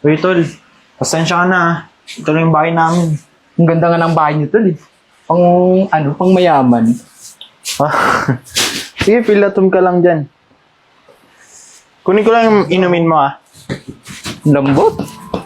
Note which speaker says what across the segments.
Speaker 1: Uy, tol. Pasensya ka na ah. Ito na yung bahay namin.
Speaker 2: Ang ganda nga ng bahay niyo tol eh. Pang mayaman.
Speaker 1: Ah. Sige, pilatom ka lang dyan. Kunin ko lang yung inumin mo ah.
Speaker 2: Lambot.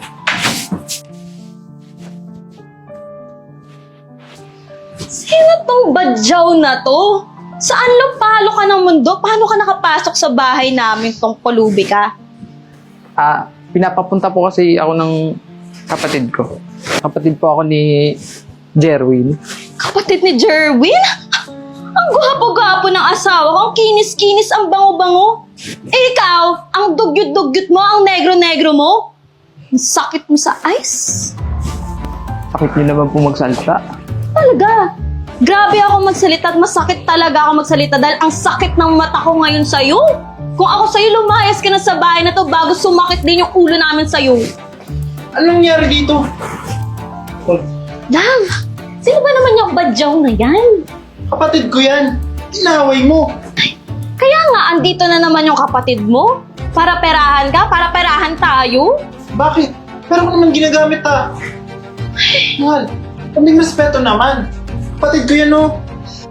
Speaker 3: Sino tong badyaw na to? Saan palo ka ng mundo? Paano ka nakapasok sa bahay namin tong pulubi ka?
Speaker 2: Pinapapunta po kasi ako ng kapatid ko. Kapatid po ako ni Jerwin.
Speaker 3: Kapatid ni Jerwin? Ang gwapo-gwapo ng asawa ko, ang kinis-kinis, ang bango-bango. Eh ikaw, ang dugyot-dugyot mo, ang negro-negro mo. Ang sakit mo sa ice.
Speaker 2: Sakit niyo naman po magsalita.
Speaker 3: Talaga. Grabe ako magsalita at masakit talaga ako magsalita dahil ang sakit ng mata ko ngayon sa'yo. Kung ako sa'yo, lumayas ka na sa bahay na to bago sumakit din yung ulo namin sa'yo.
Speaker 1: Anong nangyari dito?
Speaker 3: Love, sino ba naman yung badyaw na yan?
Speaker 1: Kapatid ko yan. Inaway mo.
Speaker 3: Kaya nga, andito na naman yung kapatid mo. Para perahan ka, para perahan tayo.
Speaker 1: Bakit? Pero ko naman ginagamit ah. Mahal, kaming respeto naman. Kapatid ko yan oh.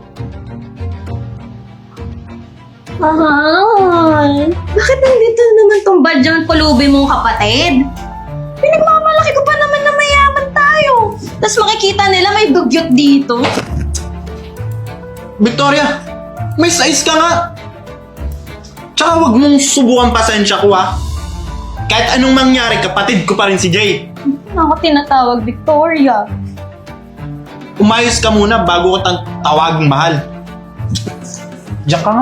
Speaker 3: Mahal, bakit nandito naman tong badyang pulubi mong kapatid? Pinagmamalaki ko pa naman na mayaman tayo. Tapos makikita nila may dugyot dito.
Speaker 1: Victoria, may size ka nga. Tsaka wag mong subukan pasensya ko ah. Kahit anong mangyari, kapatid ko pa rin si Jay.
Speaker 3: Ako tinatawag Victoria.
Speaker 1: Umayos ka muna bago ko tawaging mahal. Diyan ka nga.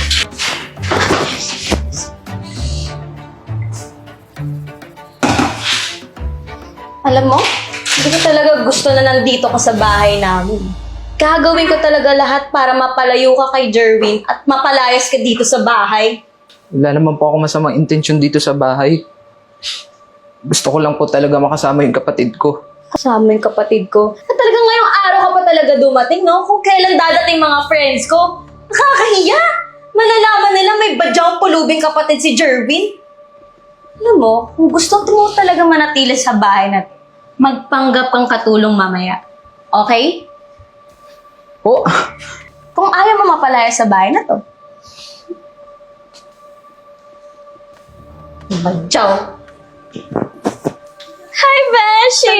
Speaker 3: Alam mo, hindi ko talaga gusto na nandito ka sa bahay namin. Gagawin ko talaga lahat para mapalayo ka kay Jerwin at mapalayas ka dito sa bahay.
Speaker 2: Wala naman po ako masamang intensyon dito sa bahay. Gusto ko lang po talaga makasama yung kapatid ko.
Speaker 3: Kasama yung kapatid ko. At talagang ngayong araw ka pa talaga dumating, no? Kung kailan dadating mga friends ko. Nakakahiya! Malalaman nila may badyang pulubing kapatid si Jerwin. Alam mo, kung gusto mo talaga manatili sa bahay na to, magpanggap kang katulong mamaya. Okay?
Speaker 2: Po?
Speaker 3: Kung ayaw mo mapalaya sa bahay na to. Badyaw. Hi, Beshi!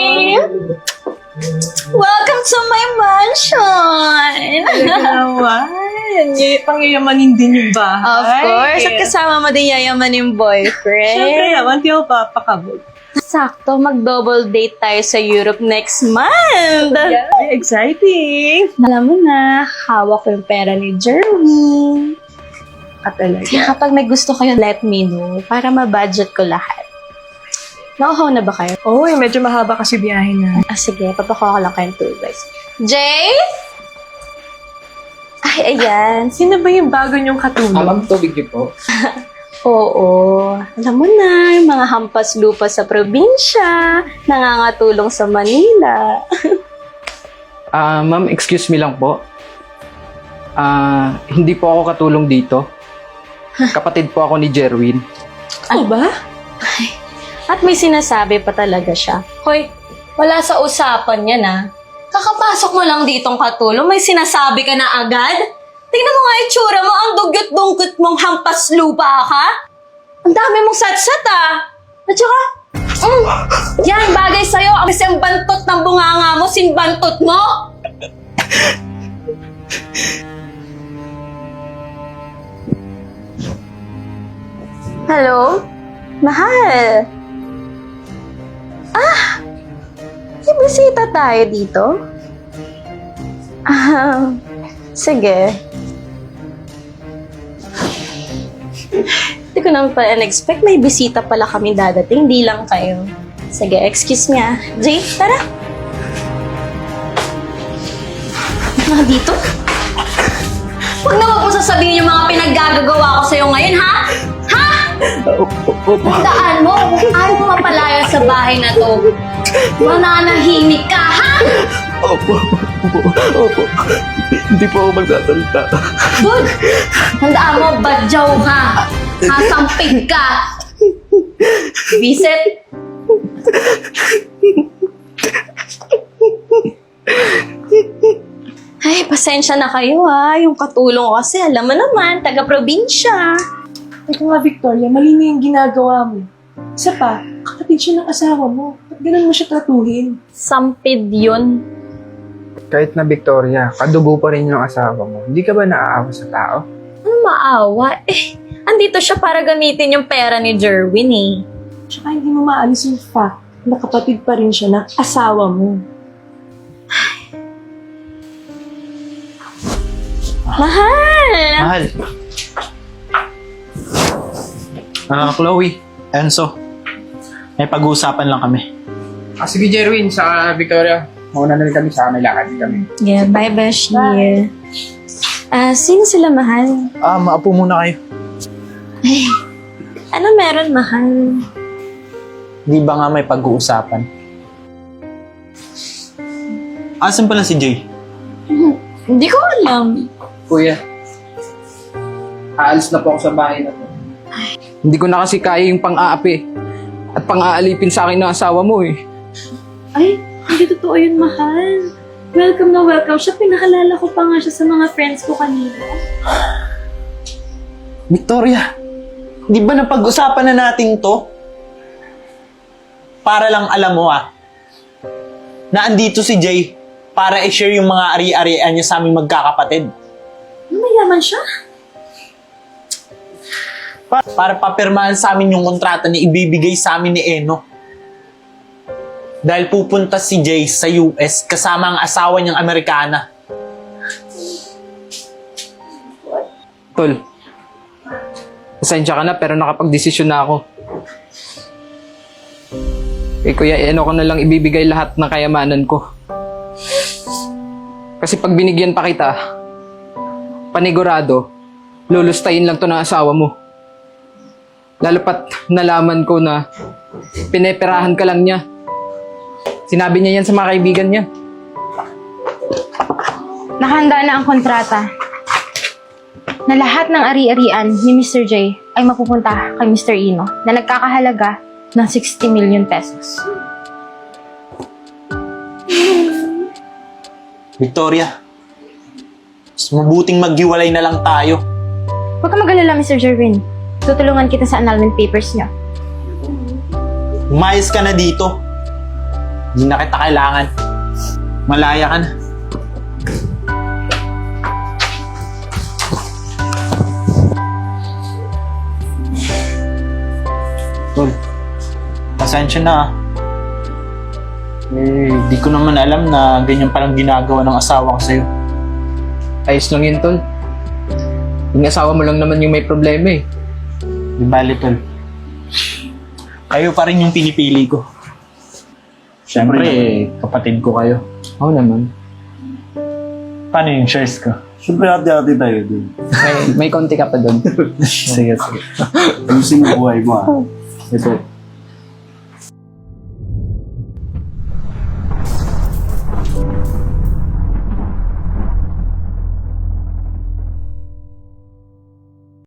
Speaker 3: Welcome to my mansion!
Speaker 4: Naman. Pangyayamanin din yung bahay.
Speaker 3: Of course. At kasama mo din yayaman yung boyfriend.
Speaker 4: Siyempre naman, di ako papakabog.
Speaker 3: Sakto, mag-double date tayo sa Europe next month.
Speaker 4: Yeah, exciting.
Speaker 3: Alam mo na, hawak ko yung pera ni Jerwin.
Speaker 4: At talaga.
Speaker 3: Kaya kapag may gusto kayo, let me know para ma-budget ko lahat. Nauhaw na ba kayo?
Speaker 4: Oh, medyo mahaba kasi biyahe na.
Speaker 3: Sige, papakuha ko lang kayong tour guys. Jay? Ay, ayan.
Speaker 4: Sino ba yung bago niyong katulong?
Speaker 2: Ma'am, tubig niyo po.
Speaker 3: Oo. Alam mo na, yung mga hampas lupa sa probinsya, nangangatulong sa Manila.
Speaker 2: Ma'am, excuse me lang po. Hindi po ako katulong dito. Kapatid po ako ni Jerwin.
Speaker 4: Ano ba?
Speaker 3: At may sinasabi pa talaga siya. Hoy, wala sa usapan yan ah. Kakapasok mo lang ditong katulong, may sinasabi ka na agad? Tingnan mo nga itsura mo, ang dugyot-dungkot mong hampas lupa ka. Ang dami mong satsat ah. At saka, yan, bagay sa'yo. Kasi ang bantot ng bunganga mo, sinbantot mo. Hello? Mahal. May bisita tayo dito? Sige. Hindi ko naman pa in-expect. May bisita pala kami dadating. Di lang kayo. Sige, excuse me ah. Jay, tara. Mga dito? Huwag na huwag mo sasabihin yung mga pinaggagawa ko sa'yo ngayon, ha? Ha? Tandaan mo, kung ayaw mo mapalaya sa bahay na to, mananahimik ka, ha?
Speaker 2: Opo. Hindi po ako magsasalita.
Speaker 3: Good! Tandaan mo, badyaw ka. Hasampig ka. Visit. Ay, pasensya na kayo ha. Yung katulong ko kasi, alam mo naman, taga-probinsya.
Speaker 4: Ikaw nga, Victoria, mali na yung ginagawa mo. Isa pa, kapatid siya ng asawa mo. Ba't ganun mo siya tratuhin?
Speaker 3: Sampid yun.
Speaker 2: Kahit na Victoria, kadugo pa rin yung asawa mo. Hindi ka ba naaawa sa tao?
Speaker 3: Ano maawa? Andito siya para gamitin yung pera ni Jerwin eh.
Speaker 4: Tsaka hindi mo maalis yung fact na kapatid pa rin siya ng asawa mo.
Speaker 3: Mahal!
Speaker 1: Mahal. Chloe, Enzo, may pag-uusapan lang kami.
Speaker 2: Sige Jerwin, sa Victoria. Mauna na rin kami sa may lakad kami.
Speaker 3: Yeah, bye Beshi. Sino sila mahal?
Speaker 1: Maapo muna kayo.
Speaker 3: Ano meron mahal?
Speaker 1: Di ba nga may pag-uusapan? Asan pala si Jay?
Speaker 3: Hindi ko alam.
Speaker 2: Kuya, aalis na po ako sa bahay na to. Hindi ko na kasi kaya yung pang-aapi at pang-aalipin sa akin ng asawa mo eh.
Speaker 3: Ay, hindi totoo yun mahal. Welcome na welcome siya. Pinakalala ko pa nga siya sa mga friends ko kanina.
Speaker 1: Victoria, di ba napag-usapan na natin to? Para lang alam mo na andito si Jay para i-share yung mga ari-arian niya sa aming magkakapatid.
Speaker 3: Ano, mayaman siya?
Speaker 1: Para papirmahan sa amin yung kontrata na ibibigay sa amin ni Eno. Dahil pupunta si Jay sa US kasama ang asawa niyang Amerikana.
Speaker 2: Tol, pasensya ka na pero nakapag-desisyon na ako. Kuya, ano ko na lang ibibigay lahat ng kayamanan ko. Kasi pag binigyan pa kita, panigurado, lulustayin lang to ng asawa mo. Lalo pat nalaman ko na pineperahan ka lang niya. Sinabi niya yan sa mga kaibigan niya.
Speaker 5: Nakahanda na ang kontrata na lahat ng ari-arian ni Mr. J ay mapupunta kay Mr. Ino na nagkakahalaga ng 60 million pesos.
Speaker 1: Victoria, mas mabuting maghiwalay na lang tayo.
Speaker 5: Huwag ka mag-alala, Mr. Jerwin. Tutulungan kita sa annulment papers niyo.
Speaker 1: Umayos ka na dito. Hindi na kita kailangan. Malaya ka na. Tol, pasensya na. Di ko naman alam na ganyan palang ginagawa ng asawa ko sa'yo.
Speaker 2: Ayos lang yun, Tol. Yung asawa mo lang naman yung may problema eh.
Speaker 1: Di bali, Tol. Kayo pa rin yung pinipili ko. Siyempre, kapatid ko kayo.
Speaker 2: Oo naman.
Speaker 1: Paano yung shares ko?
Speaker 6: Siyempre, hati-hati tayo dun.
Speaker 2: May konti ka pa doon.
Speaker 1: Sige, sige.
Speaker 6: Ayusin mo buhay mo, Ito,